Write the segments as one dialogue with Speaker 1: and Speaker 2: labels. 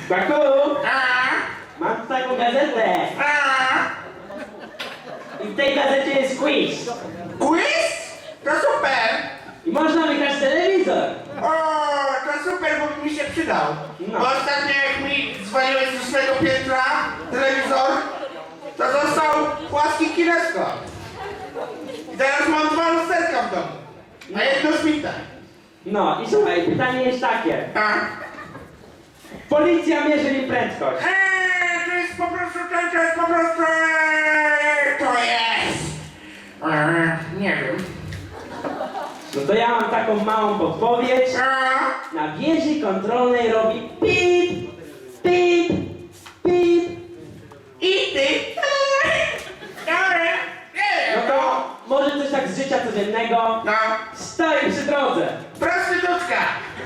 Speaker 1: Baku,
Speaker 2: A?
Speaker 1: mam tu taką gazetę.
Speaker 2: A?
Speaker 1: I w tej gazecie jest quiz.
Speaker 2: Quiz? To super!
Speaker 1: I można wygrać telewizor.
Speaker 2: O, to super, bo mi się przydał.
Speaker 1: No.
Speaker 2: Bo ostatnio jak mi dzwoniłeś z 8 piętra telewizor, to został płaski kineskop. I teraz mam 2 lusterka w domu. A jedno śmite.
Speaker 1: No i słuchaj, pytanie jest takie.
Speaker 2: A?
Speaker 1: Policja mierzy mi prędkość.
Speaker 2: To jest po prostu, to jest po prostu, to jest. Nie wiem.
Speaker 1: No to ja mam taką małą podpowiedź.
Speaker 2: A?
Speaker 1: Na wieży kontrolnej robi pip, pip, pip.
Speaker 2: I ty? Dobra.
Speaker 1: No to może coś tak z życia codziennego.
Speaker 2: No.
Speaker 1: Stoi przy drodze.
Speaker 2: Prostytutka.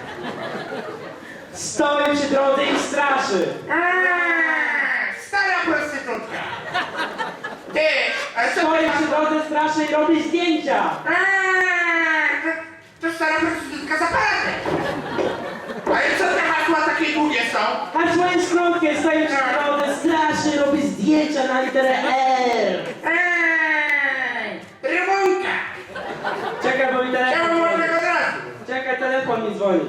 Speaker 1: Stoi przy drodze i straszy.
Speaker 2: Stara prostytutka. Ty, a co
Speaker 1: Stoi
Speaker 2: ty
Speaker 1: przy drodze, straszy i robi zdjęcia.
Speaker 2: to stara prostytutka z aparatem. Ale co te hasła takie długie są?
Speaker 1: A swoją skrótkę stoi przy drodze, straszy, robi zdjęcia na literę R.
Speaker 2: Rymunka.
Speaker 1: Czekaj, bo mi telefon
Speaker 2: Czemu
Speaker 1: dzwoni.
Speaker 2: można od razu?
Speaker 1: Czekaj, telefon mi dzwoni.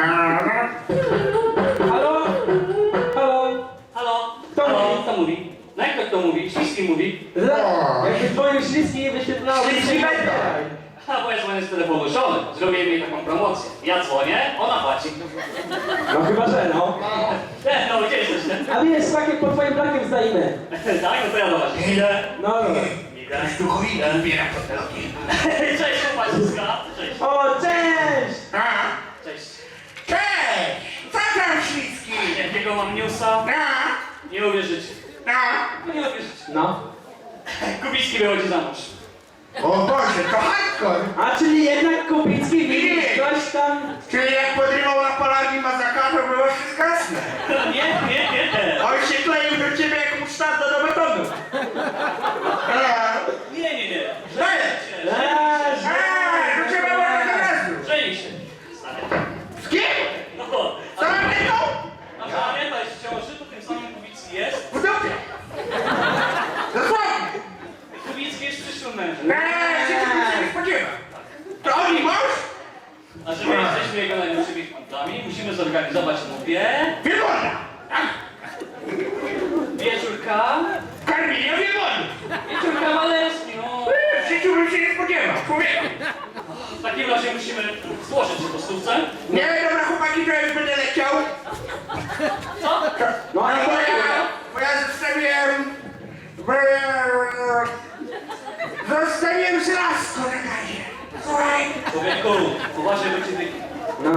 Speaker 1: Halo? Halo?
Speaker 3: Halo?
Speaker 1: Kto
Speaker 3: Halo?
Speaker 1: mówi?
Speaker 3: Kto mówi? No jak to kto mówi? Śliski mówi.
Speaker 1: Jakby dzwonił śliski i wyświetlało mi
Speaker 2: Śliski
Speaker 1: się
Speaker 2: będzie.
Speaker 3: A bo ja dzwonię z telefonu żony. Zrobię jej taką promocję. Ja dzwonię, ona płaci.
Speaker 1: No chyba, że no.
Speaker 3: No gdzie jesteś?
Speaker 1: A wiesz, takie pod twoim brakiem stoimy.
Speaker 3: Tak, no to ja do was idę.
Speaker 1: No dobra.
Speaker 3: Idę.
Speaker 2: Duchowina zbiera fotelki.
Speaker 3: Cześć chłopaczyska. Cześć.
Speaker 1: O, cześć!
Speaker 3: Cześć.
Speaker 2: Cześć! Co tam śliski?
Speaker 3: Jakiego mam newsa? Nie uwierzycie. No nie uwierzycie.
Speaker 1: No.
Speaker 3: Kubicki wychodzi za mąż.
Speaker 2: O Boże, to hardcore!
Speaker 1: A czyli jednak Kubicki widzisz coś tam...
Speaker 2: Czyli jak podrywał na Polagi Mazaka, to było wszystko jasne.
Speaker 3: Nie.
Speaker 2: On się kleił do ciebie jak musztarda do betonu.
Speaker 3: Nie.
Speaker 2: Dajesz!
Speaker 1: Leż!
Speaker 2: Do ciebie było od razu.
Speaker 3: Żeni się. Stary.
Speaker 2: Z kim?
Speaker 3: No.
Speaker 2: Co mam tego?
Speaker 3: A Żaneta jest w ciąży, to tym samym Kubicki jest.
Speaker 2: W dupie. Dosłownie.
Speaker 3: Kubicki jest przyszłym mężem.
Speaker 2: Się tego nie spodziewa. To on i mąż?
Speaker 3: A że my jesteśmy jego najlepszymi kumplami, musimy zorganizować mówię
Speaker 2: Wielona.
Speaker 3: wieczórka.
Speaker 2: Karmienia wielony.
Speaker 3: Wieczór kawalerski, no.
Speaker 2: W życiu bym się nie spodziewał. Człowieku.
Speaker 3: W takim razie musimy złożyć się po stówce.
Speaker 2: Nie, dobra chłopaki, to ja już będę leciał.
Speaker 3: Co?
Speaker 1: No ale
Speaker 2: Bo ja zostawiłem... Zostawiłem żelazko na gazie. Słuchaj.
Speaker 3: Człowieku, uważaj, bo cię wyjdzie.
Speaker 1: No.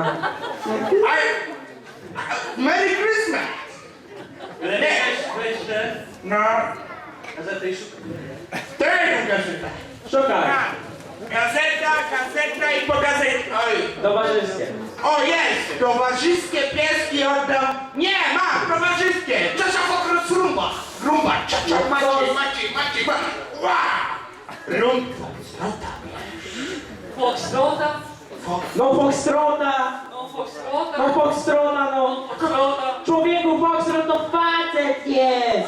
Speaker 2: Merry Christmas.
Speaker 3: Lepiej weź te
Speaker 2: No,
Speaker 3: gazety i szukaj.
Speaker 2: to jest gazeta.
Speaker 1: Szukaj.
Speaker 2: Gazeta i po gazecie. Oj.
Speaker 1: Towarzyskie.
Speaker 2: O, jest! Towarzyskie pieski oddam. Nie, mam, towarzyskie. Czasia pokrót rumba. Rumba, czasia, Maciej. Ła! Rumba.
Speaker 3: Foxtrota?
Speaker 1: No Foxtrota!
Speaker 3: No Foxtrota?
Speaker 1: No Foxtrota, no!
Speaker 3: Foxtrota?
Speaker 1: Człowieku, Foxtrot to facet jest!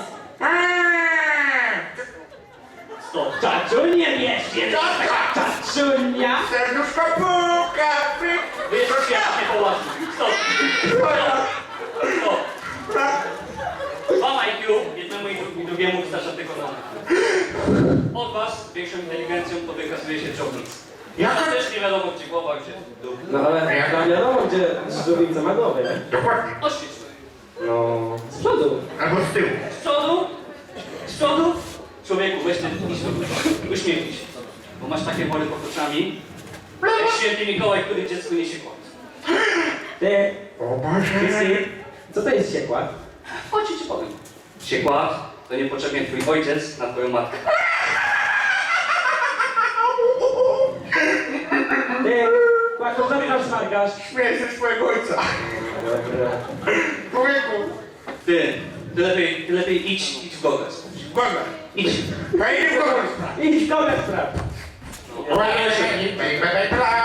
Speaker 3: Stop.
Speaker 1: Czaczunie wiesz, czaczunia!
Speaker 2: Serduszko puka, pyk.
Speaker 3: Wiesz, jak się połazi. Stop. Stop. Mam IQ, jednemu i drugiemu wystarcza tylko na Od was większą inteligencją to wykazuje się dżownic. Ja też nie wiadomo gdzie głowa, gdzie dół.
Speaker 1: No ale tam wiadomo, gdzie żółwica ma głowę, nie?
Speaker 2: Dokładnie.
Speaker 3: Oświetl.
Speaker 1: No... Z przodu.
Speaker 2: Albo z tyłu.
Speaker 3: Z przodu? Z przodu? Człowieku, weź ten idź do góry. Uśmiechnij się. Bo masz takie wory pod oczami. Jak święty Mikołaj, który dziecku niesie kład.
Speaker 1: Ty,
Speaker 2: O Boże.
Speaker 1: Krysty, co to jest siekład?
Speaker 3: Chodź ci powiem. Siekład to niepotrzebnie twój ojciec na twoją matkę.
Speaker 1: Ty, Kłaku, co ty tam smarkasz?
Speaker 2: Śmieję się swojego ojca.
Speaker 1: Dobra.
Speaker 2: Człowieku.
Speaker 3: Ty lepiej idź w drogę.
Speaker 2: Boga.
Speaker 3: Idź.
Speaker 2: Hej, w kogoś.
Speaker 1: Idź w kogoś spraw.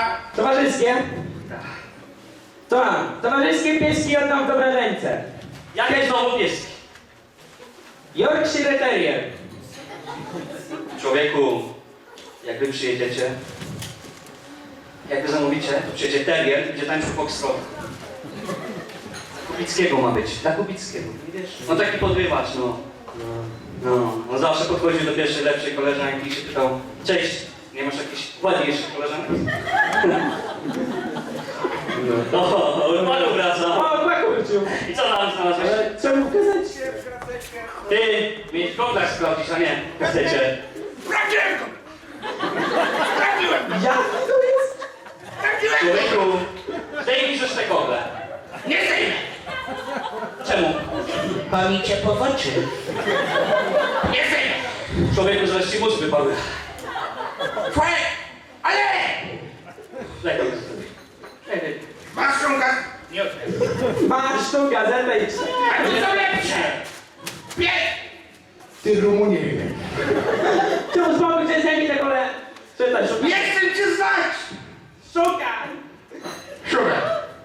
Speaker 2: Towarzyskie.
Speaker 1: Towarzyskie? To mam. Towarzyskie pieski oddam w dobre ręce.
Speaker 3: Jakie znowu pieski?
Speaker 1: Yorkshire Terrier.
Speaker 3: Człowieku, jak wy przyjedziecie, jak wy zamówicie, to przyjedzie terrier i będzie tańczył foxtrot. Kubickiego ma być, dla Kubickiego, nie wiesz? No taki podrywacz, no. No, zawsze podchodził do pierwszej, lepszej koleżanki i się pytał: cześć, nie masz jakichś ładniejszych koleżanek? O, panu wraca.
Speaker 1: O, pakurciu.
Speaker 3: I co tam znalazłeś?
Speaker 1: Ale czemu kazać?
Speaker 3: Ty, mieć kontakt sprawdzić, a nie chcecie.
Speaker 2: Sprawdziłem go! Sprawdziłem!
Speaker 1: Jaki to jest?
Speaker 2: Sprawdziłem go!
Speaker 3: Człowieku, zdejmij już te kogle.
Speaker 2: Nie zdejmę!
Speaker 3: Czemu?
Speaker 2: Bawi cię po oczy. Nie zdejmę!
Speaker 3: Człowieku, zaraz ci mózg wypadły.
Speaker 2: Twoje... Ale!
Speaker 3: Daj to jest.
Speaker 2: Masz szumka? Nie odbierz.
Speaker 1: Masz tą gazetę i
Speaker 2: A tu są lepsze! Pies! Ty Rumunie.
Speaker 1: czemu spokój cię zajmij te kole? Czytaj, szukaj.
Speaker 2: Nie chcę cię znać!
Speaker 1: Szukaj.
Speaker 2: Szukaj.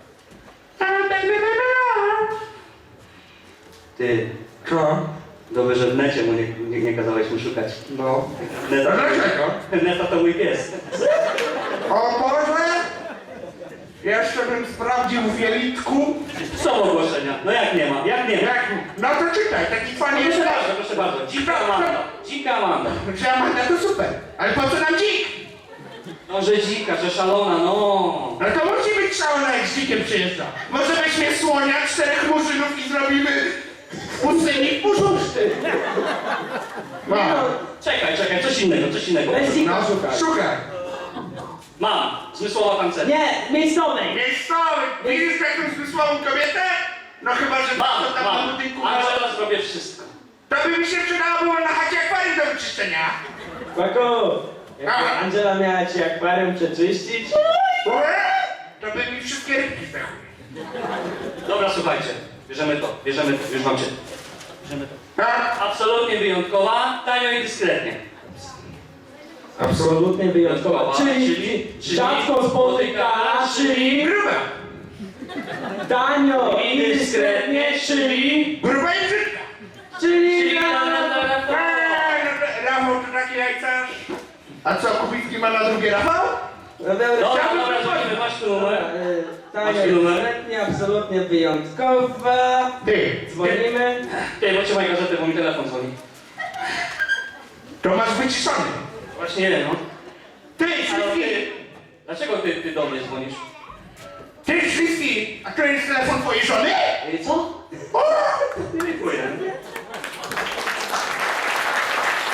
Speaker 3: Ty,
Speaker 2: Co?
Speaker 3: dobrze, że w necie mu nie kazałeś mu szukać.
Speaker 2: No.
Speaker 3: Neta,
Speaker 2: Dlaczego?
Speaker 3: Neta to mój pies.
Speaker 2: O Boże! Jeszcze bym sprawdził w jelitku.
Speaker 3: Są ogłoszenia. No jak nie ma? Jak nie ma?
Speaker 2: Jak? No to czytaj, taki fan jest.
Speaker 3: Proszę bardzo. Dzika Amanda. Dzika Amanda.
Speaker 2: Że Amanda to super. Ale po co nam dzik?
Speaker 3: No, że dzika, że szalona, no.
Speaker 2: No to musi być szalona, jak z dzikiem przyjeżdża. Może weźmie słonia, 4 murzynów i zrobimy pustyni puszczty. No.
Speaker 3: Czekaj, coś innego.
Speaker 1: Weź dzika
Speaker 2: No,
Speaker 1: szukaj.
Speaker 2: szukaj.
Speaker 3: Mam. Zmysłowa tancerka.
Speaker 1: Nie, miejscowej.
Speaker 2: Miejscowy, widzisz jakąś zmysłową kobietę? No chyba, że to tam na
Speaker 3: Mam.
Speaker 2: budynku.
Speaker 3: A teraz zrobię wszystko.
Speaker 2: To by mi się przydało było na chacie akwarium do wyczyszczenia.
Speaker 1: Paku,
Speaker 2: Aha.
Speaker 1: jak Angela miała ci akwarium przeczyścić?
Speaker 2: To by mi wszystkie rybki zdechły.
Speaker 3: Dobra, słuchajcie. Bierzemy to, już wam się. Bierzemy to.
Speaker 2: Tak?
Speaker 3: Absolutnie wyjątkowa, tanio i dyskretnie.
Speaker 1: Absolutnie wyjątkowa.
Speaker 3: Wyjątkowa,
Speaker 1: Czyli
Speaker 3: czyli
Speaker 1: rzadko spotykana, czyli
Speaker 2: Gruba.
Speaker 1: tanio i dyskretnie, czyli...
Speaker 2: Gruba i brzydka.
Speaker 1: Czyli...
Speaker 2: Rafał to taki jajcarz. A co, Kubicki ma na drugie Rafał?
Speaker 3: Dobra, dzwonimy, masz tu numer.
Speaker 1: Tanio
Speaker 3: Masz
Speaker 1: i
Speaker 3: numer?
Speaker 1: dyskretnie, absolutnie wyjątkowa.
Speaker 2: Ty.
Speaker 1: Dzwonimy.
Speaker 3: Ty, trzymaj gazetę, bo mi telefon dzwoni.
Speaker 2: To masz wyciszony.
Speaker 3: Właśnie nie, no.
Speaker 2: Ty,
Speaker 3: Ale
Speaker 2: Śliski.
Speaker 3: ty, dlaczego ty do mnie dzwonisz?
Speaker 2: Ty, Śliski. A to jest telefon twojej żony?
Speaker 3: Co